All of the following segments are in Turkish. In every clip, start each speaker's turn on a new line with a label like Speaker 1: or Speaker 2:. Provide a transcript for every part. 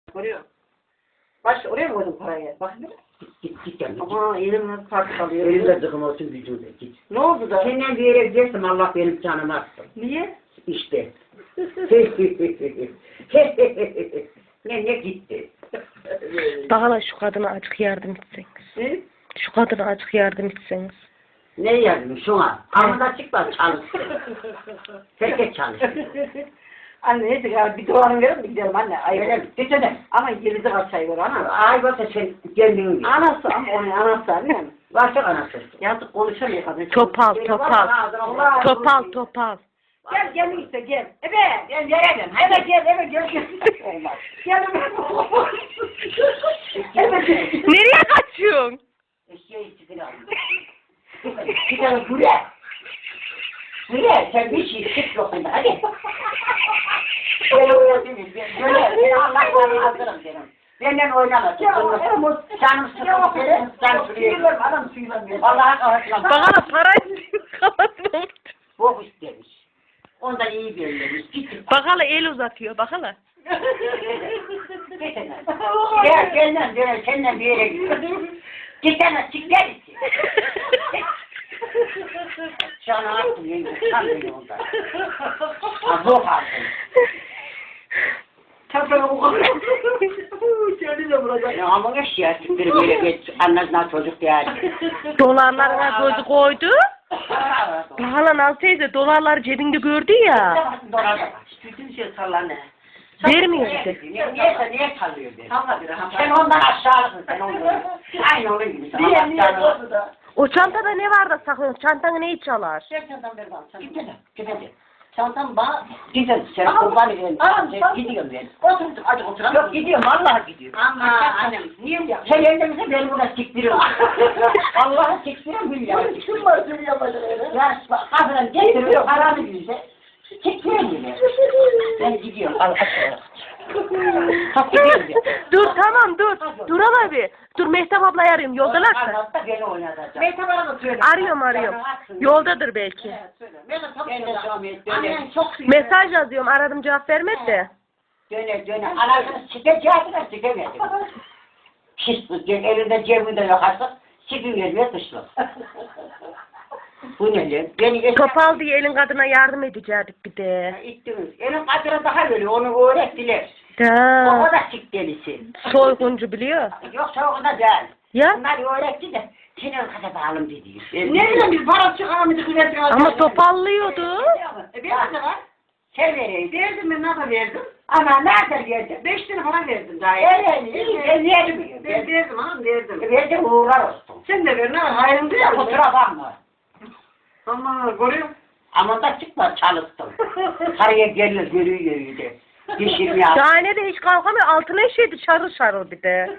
Speaker 1: Görüyor. Baş oraya mı koydun parayı? Bak bir.
Speaker 2: Git yani.
Speaker 1: Ama elimle kart kalıyor.
Speaker 2: Elimde dıkım olsun gücümde git.
Speaker 1: Ne oldu da?
Speaker 2: Senden bir yere gidersem Allah benim canımı atsın.
Speaker 1: Niye?
Speaker 2: İşte. Ne gitti.
Speaker 3: Daha şu kadına azıcık yardım etseniz.
Speaker 1: Ne?
Speaker 3: Şu kadına azıcık yardım etseniz.
Speaker 2: Ne yardım şuna? Amına çıkma çalışsın. Herkes çalışsın.
Speaker 1: Anne neyse ya bir dolarını verir mi gidelim anne? Ay
Speaker 2: Öyle mi?
Speaker 1: Geçene. Ama geride kaçayı ver ana.
Speaker 2: Ay varsa sen kendin git.
Speaker 1: Anası ama onun anası anne.
Speaker 2: Varsa anası.
Speaker 1: Yazık konuşamıyor kadın.
Speaker 3: Topal, topal.
Speaker 1: Allah.
Speaker 3: Topal, topal.
Speaker 1: Gel gel işte gel. Evet. Gel gel. Evet gel evet gel. Olmaz. Gel evet. Evet.
Speaker 3: Nereye kaçıyorsun?
Speaker 2: Eşeği çıkın alın. Bir tane buraya. Buraya sen bir şey çık yokunda hadi. Böyle oynasınız. Böyle Allah'tan hazırım senin. Benden oynama. Canım sıkıntı senin. Canım sıkıntı.
Speaker 1: Adam suyulamıyor.
Speaker 2: Allah'a kavuşlam.
Speaker 3: Bana para istiyor. Kafasına vurdu.
Speaker 2: Bok istemiş. Ondan iyi belirlemiş. Git.
Speaker 3: Bak hala el uzatıyor. Bak hala.
Speaker 2: Gel senden döner. Senden bir yere git. Gitsene çık gel içi. Canı attım yenge. Tam beni ondan. Zor aldın.
Speaker 1: Çapraz o kadar. Seni de vuracak.
Speaker 2: Ya ama ne şey artık bir böyle geç. Anlasına çocuk yani.
Speaker 3: Dolarlarına gözü koydu. Bak hala Nal teyze dolarları cebinde gördü ya.
Speaker 1: Bütün şey sallanı.
Speaker 3: Vermiyor işte.
Speaker 2: Niye sallıyor beni?
Speaker 1: Salla bir rahat.
Speaker 2: Sen ondan aşağılısın sen ondan. Aynı onun gibi.
Speaker 1: Niye oldu da?
Speaker 3: O çantada ne var da saklıyorsun? Çantanı neyi çalar?
Speaker 1: Şey çantam ver bana.
Speaker 2: Gidelim. Çantam bana gidelim. Sen kurban edelim. Gidiyorum ben.
Speaker 1: Oturduk hadi oturalım.
Speaker 2: Yok gidiyorum vallahi gidiyorum.
Speaker 1: Ama annem niye mi
Speaker 2: Sen ellerimize beni burada siktiriyorsun. Allah'ı siktiriyorum billahi.
Speaker 1: Kim var seni yapacak öyle?
Speaker 2: Ya kadın getiriyor paranı bize. Siktiriyorum beni. Ben gidiyorum. Al aşağıya. Kalk gidiyorum ya.
Speaker 3: Dur tamam dur. Dur hala bir. Dur Mehtap ablayı arıyorum. Yoldalarsa.
Speaker 2: Anlatta beni oynatacak.
Speaker 1: Mehtap bana söyle.
Speaker 3: Arıyorum. Yoldadır belki.
Speaker 1: Evet, söyle. Mehtap çok
Speaker 2: Ben de
Speaker 1: söyle.
Speaker 2: Şamiyet
Speaker 1: Annen
Speaker 2: döner.
Speaker 1: çok söyle.
Speaker 3: Mesaj yazıyorum. Aradım cevap vermedi de.
Speaker 2: Döner. Anasını sikeceğine sikemedim. Şişlik. Elinde cebinde yok artık. Sikim ve dışlık. Bu ne lan? Beni
Speaker 3: Topal diye elin kadına yardım edecektik bir de.
Speaker 2: İttiniz. Elin kadına daha böyle onu öğrettiler. O
Speaker 3: Da.
Speaker 2: da sik delisi.
Speaker 3: Soyguncu biliyor.
Speaker 2: Yoksa o da değil.
Speaker 3: Ya.
Speaker 2: Bunlar öğretti de senin kadar bağlım dedi.
Speaker 1: Ne bileyim biz para çıkaramadık.
Speaker 3: Ama topallıyordu.
Speaker 1: Benim de var.
Speaker 2: Sen vereyim.
Speaker 1: Verdim ben ne verdim?
Speaker 2: Ama nerede verdin?
Speaker 1: 5 lira para verdim daha.
Speaker 2: Ben verdim.
Speaker 1: Ben verdim hanım verdim.
Speaker 2: Verdim uğrar olsun.
Speaker 1: Sen de ver ne var hayrım değil mi?
Speaker 2: Kusura bakma.
Speaker 1: Ama görüyorum.
Speaker 2: Ama da çıkma çalıştım. Karıya gelir görüyor de. Dişimi al.
Speaker 3: Şahane de hiç kalkamıyor. Altına işedi şarıl şarıl bir de.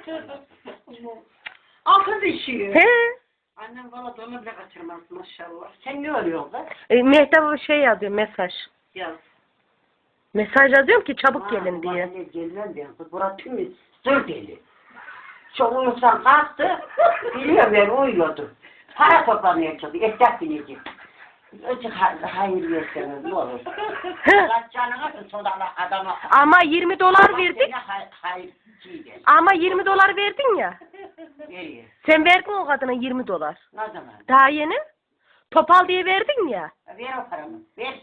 Speaker 1: Altın da işiyor.
Speaker 3: He.
Speaker 1: Annem valla donu bile kaçırmaz maşallah.
Speaker 2: Sen ne oluyorsun kız?
Speaker 3: Mehtap şey yazıyor mesaj.
Speaker 1: Yaz.
Speaker 3: Mesaj yazıyorum ki çabuk gelin diye.
Speaker 2: Ne gelmem ben kız. Burası tüm sır deli. Çok uyusan kalktı. Biliyorum ben uyuyordum. Para toplamaya çalışıyor. Esnaf binecek. Önce hayır verseniz ne olur. Kaç canına atın sonra adama.
Speaker 3: Ama 20 dolar verdik.
Speaker 2: Hayır der.
Speaker 3: Ama 20 dolar verdin ya.
Speaker 2: Nereye?
Speaker 3: Sen verdin o kadına 20 dolar.
Speaker 2: Ne zaman?
Speaker 3: Daha yeni. Topal diye verdin ya.
Speaker 2: Ver o paramı. Ver.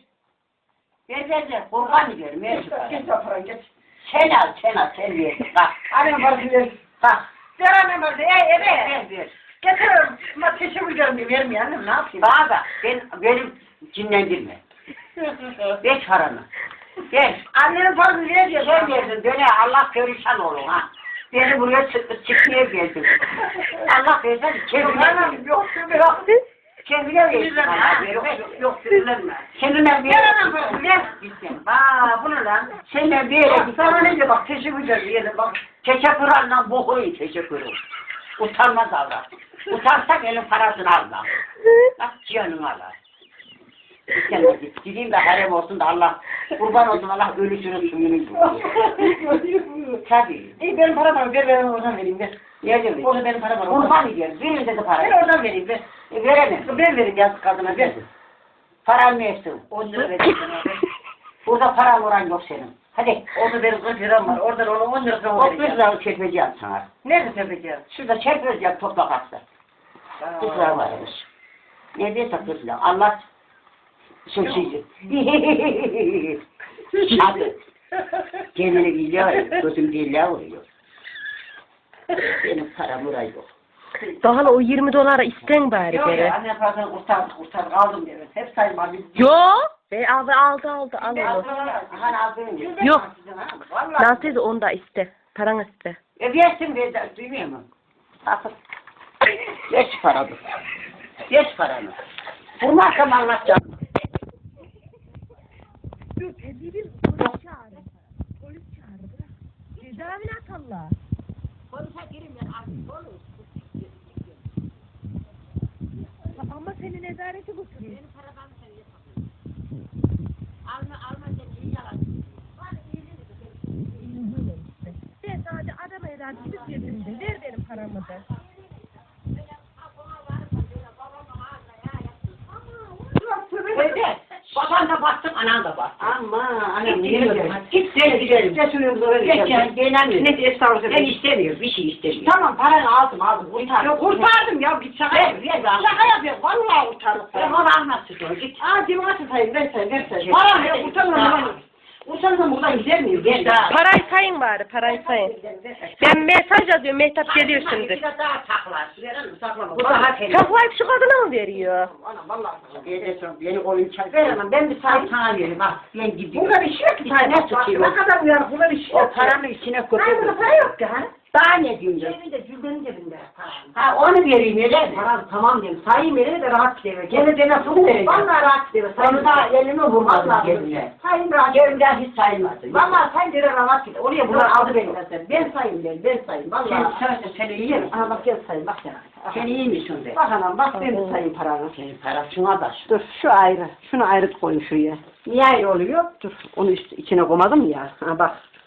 Speaker 2: Ver. Kurban ver. Ver şu
Speaker 1: Geç
Speaker 2: paramı.
Speaker 1: o parayı geç.
Speaker 2: Sen al. Sen ver. Bak.
Speaker 1: Annem parası ver.
Speaker 2: Bak.
Speaker 1: Ver annem parası. Evet.
Speaker 2: Ver.
Speaker 1: Getiriyorum. Ama teşekkür ederim diye vermiyor annem ne yapayım?
Speaker 2: Bana bak. Benim cinlendirme. Ver paramı. Ver.
Speaker 1: Annenin parasını ver diyor.
Speaker 2: Sen verdin. Döne Allah perişan olur ha. Beni buraya çıkmaya geldin. Allah versen kendine
Speaker 1: Yok yok.
Speaker 2: kendine
Speaker 1: Yok sinirlenme.
Speaker 2: Kendine bir
Speaker 1: Ver annem parasını ver.
Speaker 2: gitsin.
Speaker 1: Aa bu ne lan?
Speaker 2: Senden bir yere
Speaker 1: Bak,
Speaker 2: git.
Speaker 1: sana ne diyor bak teşekkür ederim diyelim bak.
Speaker 2: Teşekkür anlam boku iyi teşekkür. Utanmaz avrat. Utansak elin parasını alma. Bak canını alar. Gitsen git. Gideyim de harem olsun da Allah kurban olsun Allah ölüsünün suyunu yiyor. Tabii.
Speaker 1: İyi benim param var ver oradan vereyim ver.
Speaker 2: Niye diyor?
Speaker 1: Orada benim param var.
Speaker 2: Kurban ediyor. Birinde de para.
Speaker 1: Ver oradan vereyim ver.
Speaker 2: Veremem.
Speaker 1: Ben vereyim yazık kadına ver.
Speaker 2: Paran ne etsin?
Speaker 1: 10 lira vereyim sana ver.
Speaker 2: Burada paran oran yok senin. Hadi.
Speaker 1: Orada benim 40 liram var. Oradan ona 10 lira
Speaker 2: O 40 lira çekmeyeceğim sana.
Speaker 1: Nerede tepeceğim?
Speaker 2: Şurada çekmeyeceğim toprak hasta. 40 lira varmış. Ne diyorsa 40 lira. Allah sözüydü. Hadi. Kendini biliyor, gözüm dille vuruyor. Benim param buraya yok.
Speaker 3: Daha hala o 20 dolara isten bari
Speaker 1: Yok
Speaker 3: geri.
Speaker 1: ya anne parasını kurtardık aldım diyor. Hep saymadım.
Speaker 3: Yo. Aldı al onu.
Speaker 2: Hani aldın
Speaker 3: Yok.
Speaker 1: Vallahi.
Speaker 3: Nasıl onu da iste. Paranı iste.
Speaker 2: Versin ver, duymuyor musun? Sakın. Ver şu paranı. Ver şu paranı. Bunu akşam anlatacağım.
Speaker 3: Dur, bir polis çağırın. Polis çağırın. Cezavine atarlar.
Speaker 2: Polise girin ben artık olur.
Speaker 3: Ama seni nezarete götürür.
Speaker 2: Benim paradan sen yapamıyorsun. Alma sen iyi yalan.
Speaker 3: Ben sadece adam eder gidip yerinde. Ver benim paramı da.
Speaker 2: Öyle. Baban da baktım, anan da baktım.
Speaker 1: Ama anne
Speaker 2: Git
Speaker 1: niye
Speaker 2: gidelim.
Speaker 1: böyle?
Speaker 2: Git seni gidelim.
Speaker 1: Geçiniyoruz oraya.
Speaker 2: Geç ya, beğenemiyorum.
Speaker 1: Ne estağfurullah.
Speaker 2: Ben istemiyorum, bir şey istemiyorum.
Speaker 1: Tamam paranı aldım. Kurtar.
Speaker 2: Yok,
Speaker 1: Kurtardım ya bir şaka
Speaker 2: Ver,
Speaker 1: yapıyorum.
Speaker 2: ver,
Speaker 1: Şaka yapıyorum. Vallahi kurtardım.
Speaker 2: Ben onu anlatsın git.
Speaker 1: Aa cemaat sayın ben sayın.
Speaker 2: Geç.
Speaker 1: Paranı ya kurtarmam. Kurtarmam buradan gider miyim?
Speaker 2: Ver daha.
Speaker 3: Parayı sayın bari, parayı sayın. Ben mesaj yazıyorum, Mehtap geliyor şimdi.
Speaker 2: Bir de daha saklar.
Speaker 1: Verelim saklama.
Speaker 2: Bu daha temiz.
Speaker 3: Çaklayıp şu kadına mı veriyor?
Speaker 1: Anam vallahi.
Speaker 2: Beni kolun çay.
Speaker 1: Ver anam ben bir sayayım.
Speaker 2: Sana verim bak. Ben gidiyorum.
Speaker 1: Burada bir şey yok ki.
Speaker 2: Bir tane
Speaker 1: Bak,
Speaker 2: tutayım.
Speaker 1: Ne kadar uyanık burada bir şey
Speaker 2: O
Speaker 1: yok.
Speaker 2: paranı içine
Speaker 1: Hayır burada
Speaker 2: koyuyorum.
Speaker 1: para yok ki ha.
Speaker 2: Daha ne diyeceğim?
Speaker 1: Cebinde cüzdanın cebinde.
Speaker 2: Ha onu vereyim öyle mi?
Speaker 1: Param tamam diyorum. Sayayım yerine de rahat gidiyor.
Speaker 2: Gene de nasıl vereceğim?
Speaker 1: Vallahi rahat gidiyor.
Speaker 2: Onu da elime vurmadım
Speaker 1: Vallahi
Speaker 2: cebine.
Speaker 1: sayayım rahat.
Speaker 2: Cebimden hiç sayılmadı.
Speaker 1: Vallahi sen göre rahat gidiyor. Oraya bunlar aldı beni zaten. Ben sayayım dedim. Ben sayayım. Vallahi.
Speaker 2: Sen iyi misin?
Speaker 1: Aha bak gel sayayım bak sen.
Speaker 2: Sen iyi misin be?
Speaker 1: Bak anam bak ben bir sayayım paranı.
Speaker 2: Senin parasına da.
Speaker 1: Dur şu ayrı. Şunu ayrı koyun şuraya. Niye ayrı oluyor? Dur onu içine koymadım ya. Ha bak